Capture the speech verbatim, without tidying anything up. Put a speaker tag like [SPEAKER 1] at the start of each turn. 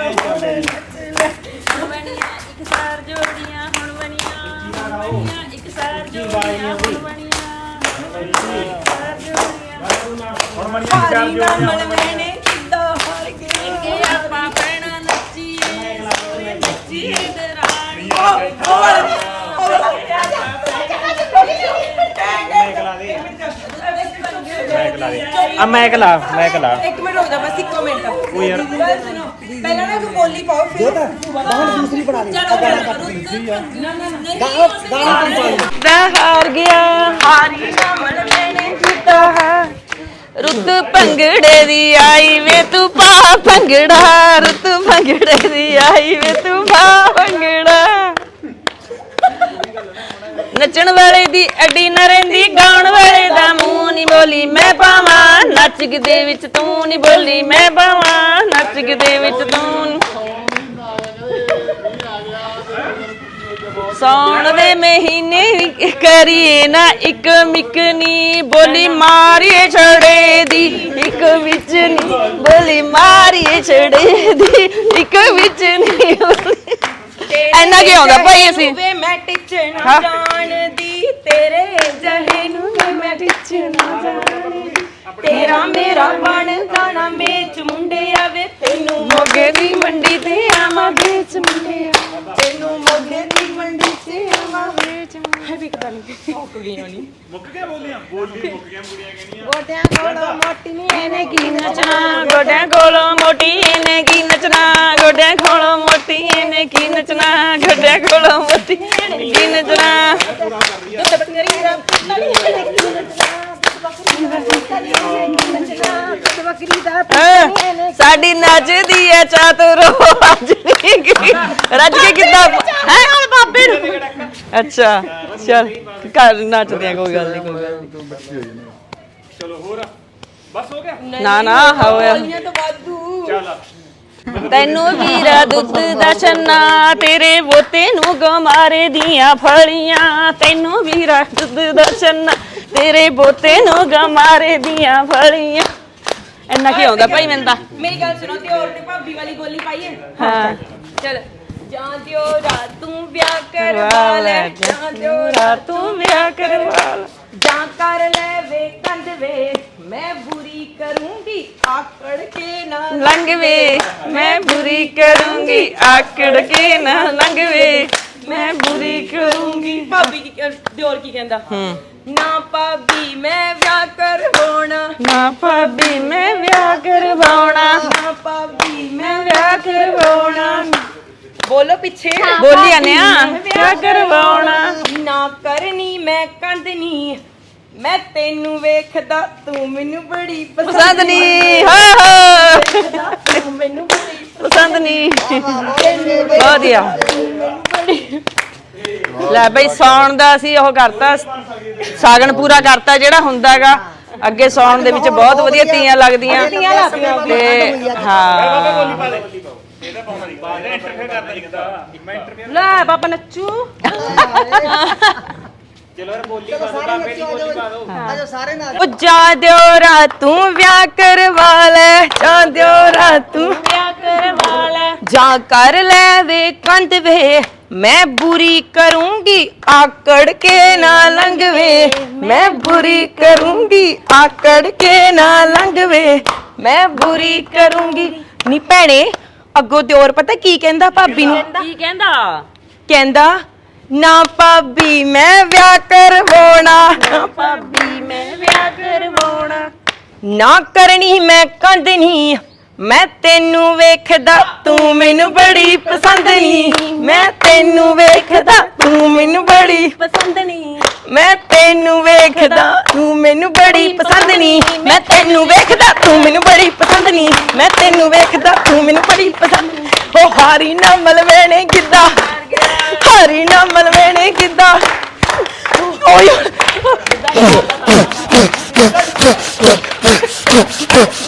[SPEAKER 1] ਇੱਕ ਸਾਰ ਜੋੜੀਆਂ ਹੁਣ ਬਣੀਆਂ ਇੱਕ ਸਾਰ ਜੋੜੀਆਂ ਹੁਣ ਬਣੀਆਂ ਸਾਰ ਜੋੜੀਆਂ ਹੁਣ ਬਣੀਆਂ ਚਾਰ ਜੋੜੀਆਂ ਮਲਵਣੇ ਕਿੱਦਾਂ ਹਾਰ ਗਏ ਕਿ ਆਪਾਂ ਪੈਣਾ ਨੱਚੀਏ ਨੱਚੀਏ ਦਰਾਣੀ
[SPEAKER 2] ਆ ਮੈਂ ਕਲਾ ਮੈਂ ਕਲਾ
[SPEAKER 3] ਇੱਕ ਮਿੰਟ ਰੁਕ ਜਾ ਬਸ ਇੱਕੋ ਮਿੰਟ
[SPEAKER 2] ਉਹ ਯਾਰ
[SPEAKER 3] ਗੱਲ ਸੁਣੋ ਪਹਿਲਾਂ ਨਾ ਇੱਕ ਬੋਲੀ ਪਾਓ ਫਿਰ
[SPEAKER 4] ਬਾਹਰ ਦੂਸਰੀ ਬਣਾ ਲਈ
[SPEAKER 1] ਦਾ ਹਾਰ ਗਿਆ ਹਾਰੀ ਨਾ ਮਨ ਮੈਨੇ ਕੀਤਾ ਹੈ ਰੁੱਤ ਭੰਗੜੇ ਦੀ ਆਈ ਵੇ ਤੂੰ ਪਾ ਭੰਗੜਾ ਰੁੱਤ ਭੰਗੜੇ ਦੀ ਆਈ ਵੇ ਤੂੰ ਪਾ ਭੰਗੜਾ ਨੱਚਣ ਵਾਲੇ ਦੀ ਅੱਡੀ ਨਾ ਰਹਿੰਦੀ ਗਾਉਣ ਵਾਲੇ ਦਾ ਮੂੰਹ ਨਹੀਂ ਬੋਲੀ ਮੈਂ ਪਾਵਾਂ ਨੱਚ ਦੇ ਵਿੱਚ ਤੂੰ ਨਹੀਂ ਬੋਲੀ ਮੈਂ ਪਾਵਾਂ ਨੱਚ ਦੇ ਵਿੱਚ ਤੂੰ ਸੌਣ ਦੇ ਮਹੀਨੇ ਕਰੀਏ ਨਾ ਇੱਕ ਮਿਕਨੀ ਬੋਲੀ ਮਾਰੀਏ ਛੜੇ ਦੀ ਇੱਕ ਵਿੱਚ ਨਹੀਂ ਬੋਲੀ ਮਾਰੀਏ ਛੜੇ ਦੀ ਇੱਕ ਵਿੱਚ ਨਹੀਂ ਇੰਨਾ ਕੀ ਆਉਂਦਾ ਭਾਈ ਅਸੀਂ
[SPEAKER 3] ਵੇ ਮੈਂ ਟਿਚਣਾ ਜਾਣਦੀ ਤੇਰੇ ਜਹੇ ਨੂੰ ਵੇ ਮੈਂ ਟਿਚਣਾ ਜਾਣਦੀ ਤੇਰਾ ਮੇਰਾ ਬਣਦਾ ਨਾ ਵੇਚ ਮੁੰਡਿਆ ਵੇ ਤੈਨੂੰ
[SPEAKER 1] ਮੋਗੇ ਦੀ ਮੰਡੀ ਤੇ ਆਵਾਂ ਵੇਚ ਮੁੰਡਿਆ
[SPEAKER 3] ਤੈਨੂੰ ਮੋਗੇ ਦੀ ਮੰਡੀ ਤੇ ਆਵਾਂ ਵੇਚ ਹੈ ਵੀ ਪਤਾ ਨਹੀਂ ਮੁੱਕ ਗਈ ਹੋਣੀ
[SPEAKER 2] ਮੁੱਕ ਗਿਆ ਬੋਲੀਆਂ ਬੋਲੀ ਮੁੱਕ ਗਿਆ ਕੁੜੀਆਂ ਕਹਿੰਦੀਆਂ
[SPEAKER 3] ਗੋਡਿਆਂ ਕੋਲੋਂ ਮੋਟੀ ਨਹੀਂ
[SPEAKER 1] ਇਹਨੇ ਕੀ ਨੱਚਣਾ ਗੋਡਿਆਂ ਕੋਲੋਂ ਮੋਟੀ ਇਹਨੇ ਕੀ ਨੱਚਣਾ ਗੋਡਿਆਂ ਕੋਲੋਂ ਮੋਟੀ ਇਹਨੇ ਕੀ ਨੱਚਣਾ ਗੋਡਿਆਂ ਕੋਲੋਂ ਮੋਟੀ ਕੀ ਨੱਚਣਾ ਸਾਡੀ ਨੱਚਦੀ ਐ ਚਾਤਰੋ ਅੱਜ ਨਹੀਂ ਗਈ ਰੱਜ ਕੇ ਕਿੱਦਾਂ ਹੈ ਹੁਣ ਬਾਬੇ ਨੂੰ ਅੱਛਾ ਚੱਲ ਘਰ ਨੱਚਦੇ ਆ ਕੋਈ ਗੱਲ ਨਹੀਂ ਕੋਈ ਗੱਲ ਨਹੀਂ
[SPEAKER 2] ਚਲੋ ਹੋਰ ਬਸ ਹੋ ਗਿਆ
[SPEAKER 1] ਨਾ ਨਾ ਹੋਇਆ
[SPEAKER 3] ਤਾਂ ਵਾਧੂ
[SPEAKER 2] ਚੱਲ
[SPEAKER 1] ਤੈਨੂੰ ਵੀਰਾ ਦੁੱਧ ਦਾ ਛੰਨਾ ਤੇਰੇ ਬੋਤੇ ਨੂੰ ਗਮਾਰੇ ਦੀਆਂ ਫਲੀਆਂ ਤੈਨੂੰ ਵੀਰਾ ਦੁੱਧ ਦਾ ਛੰਨਾ ਤੇਰੇ ਬੋਤੇ ਨੂੰ ਗਮਾਰੇ ਦੀਆਂ ਫਲੀਆਂ ਇੰਨਾ ਕੀ ਆਉਂਦਾ ਭਾਈ ਮੈਨੂੰ ਤਾਂ
[SPEAKER 3] ਮੇਰੀ ਗੱਲ ਸੁਣੋ ਤੇ ਔਰ ਤੇ ਭਾਬੀ ਵਾਲੀ ਬੋਲੀ ਪਾਈਏ
[SPEAKER 1] ਹਾਂ
[SPEAKER 3] ਚਲ ਜਾਂ ਦਿਓ ਰਾਤ ਤੂੰ ਵਿਆਹ ਕਰਵਾ ਲੈ ਜਾਂ ਦਿਓ ਰਾਤ
[SPEAKER 1] ਤੂੰ ਵਿਆਹ ਕਰਵਾ ਲੈ
[SPEAKER 3] ਜਾਂ ਕਰ ਲੈ ਵੇ ਕੰਧ ਵੇ ਮੈਂ ਬੁਰੀ ਕਰੂੰਗੀ ਆਕੜ ਕੇ ਨਾ
[SPEAKER 1] ਲੰਘ ਵੇ ਮੈਂ ਬੁਰੀ ਕਰੂੰਗੀ ਆਕੜ ਕੇ ਨਾ ਲੰਘ ਵੇ ਮੈਂ ਬੁਰੀ ਕਰੂੰਗੀ
[SPEAKER 3] ਭਾਬੀ ਕੀ ਦਿਓਰ ਕੀ ਕਹਿੰਦਾ
[SPEAKER 1] ਹੂੰ
[SPEAKER 3] ਨਾ ਭਾਬੀ ਮੈਂ ਵਿਆਹ ਕਰਵਾਉਣਾ
[SPEAKER 1] ਨਾ ਭਾਬੀ ਮੈਂ ਵਿਆਹ ਕਰਵਾਉਣਾ
[SPEAKER 3] ਨਾ ਭਾਬੀ ਮੈਂ
[SPEAKER 1] ਵਿਆਹ ਕਰਵਾਉਣਾ
[SPEAKER 3] ਬੋਲੋ ਪਿੱਛੇ
[SPEAKER 1] ਬੋਲੀ ਆਨੇ ਆ ਵਿਆਹ ਕਰਵਾਉਣਾ
[SPEAKER 3] ਨਾ ਕਰਨੀ ਮੈਂ ਕੰਦਨੀ ਮੈਂ ਤੈਨੂੰ ਵੇਖਦਾ ਤੂੰ ਮੈਨੂੰ ਬੜੀ
[SPEAKER 1] ਪਸੰਦ ਨਹੀਂ ਹੋ ਹੋ
[SPEAKER 3] ਤੂੰ ਮੈਨੂੰ ਬੜੀ
[SPEAKER 1] ਪਸੰਦ ਨਹੀਂ ਵਧੀਆ ਲੈ ਬਈ ਸੌਣ ਦਾ ਅਸੀਂ ਉਹ ਕਰਤਾ ਸਾਗਣ ਪੂਰਾ ਕਰਤਾ ਜਿਹੜਾ ਹੁੰਦਾਗਾ ਅੱਗੇ ਸੌਣ ਦੇ ਵਿੱਚ ਬਹੁਤ ਵਧੀਆ ਤੀਆਂ ਲੱਗਦੀਆਂ ਤੇ ਹਾਂ
[SPEAKER 2] ਇਹਦਾ ਪਾਉਣਾ ਨਹੀਂ ਬਾਅਦ ਇੰਟਰਫੇਅਰ ਕਰਦਾ ਨਹੀਂ ਕਹਿੰਦਾ ਮੈਂ ਇੰਟਰਫੇਅਰ
[SPEAKER 1] ਲੈ ਬਾਬਾ ਨੱਚੂ
[SPEAKER 2] ਚਲੋ ਯਾਰ ਬੋਲੀ ਪਾ ਦੋ ਬਾਬੇ ਦੀ ਬੋਲੀ ਪਾ ਦੋ
[SPEAKER 4] ਆਜੋ ਸਾਰੇ ਨਾਲ
[SPEAKER 1] ਉਹ ਜਾ ਦਿਓ ਰਾ ਤੂੰ ਵਿਆਹ ਕਰਵਾ ਲੈ ਜਾ ਦਿਓ ਰਾ ਤੂੰ ਵਿਆਹ ਕਰਵਾ ਲੈ ਜਾਂ ਕਰ ਲੈ ਵੇ ਕੰਧ ਵੇ ਮੈਂ ਬੁਰੀ ਕਰੂੰਗੀ ਆਕੜ ਕੇ ਨਾ ਲੰਘਵੇ ਮੈਂ ਬੁਰੀ ਕਰੂੰਗੀ ਆਕੜ ਕੇ ਨਾ ਲੰਘਵੇ ਮੈਂ ਬੁਰੀ ਕਰੂੰਗੀ ਨੀ ਭੈਣੇ ਅੱਗੋਂ ਦਿਓਰ ਪਤਾ ਕੀ ਕਹਿੰਦਾ ਭਾਬੀ ਨੂੰ ਕੀ ਕਹਿੰਦਾ ਕਹਿੰਦਾ ਨਾ ਭਾਬੀ ਮੈਂ ਵਿਆਹ ਕਰਵਾਉਣਾ ਨਾ ਭਾਬੀ ਮੈਂ ਵਿਆਹ ਕਰਵਾਉਣਾ ਨਾ ਕਰਨੀ ਮੈਂ ਕੰਧ ਨਹੀਂ ਮੈਂ ਤੈਨੂੰ ਵੇਖਦਾ ਤੂੰ ਮੈਨੂੰ ਬੜੀ ਪਸੰਦ ਨਹੀਂ ਮੈਂ ਤੈਨੂੰ ਵੇਖਦਾ ਤੂੰ ਮੈਨੂੰ ਬੜੀ ਪਸੰਦ ਨਹੀਂ ਮੈਂ ਤੈਨੂੰ ਵੇਖਦਾ ਤੂੰ ਮੈਨੂੰ ਬੜੀ ਪਸੰਦ ਨਹੀਂ ਮੈਂ ਤੈਨੂੰ ਵੇਖਦਾ ਤੂੰ ਮੈਨੂੰ ਬੜੀ ਪਸੰਦ ਨਹੀਂ ਮੈਂ ਤੈਨੂੰ ਵੇਖਦਾ ਤੂੰ ਮੈਨੂੰ ਬੜੀ ਪਸੰਦ ਉਹ ਹਾਰੀ ਨਾ ਮਲਵੇਣੇ ਕਿੱਦਾਂ ਹਾਰੀ ਨਾ ਮਲਵੇਣੇ ਕਿੱਦਾਂ ਓਏ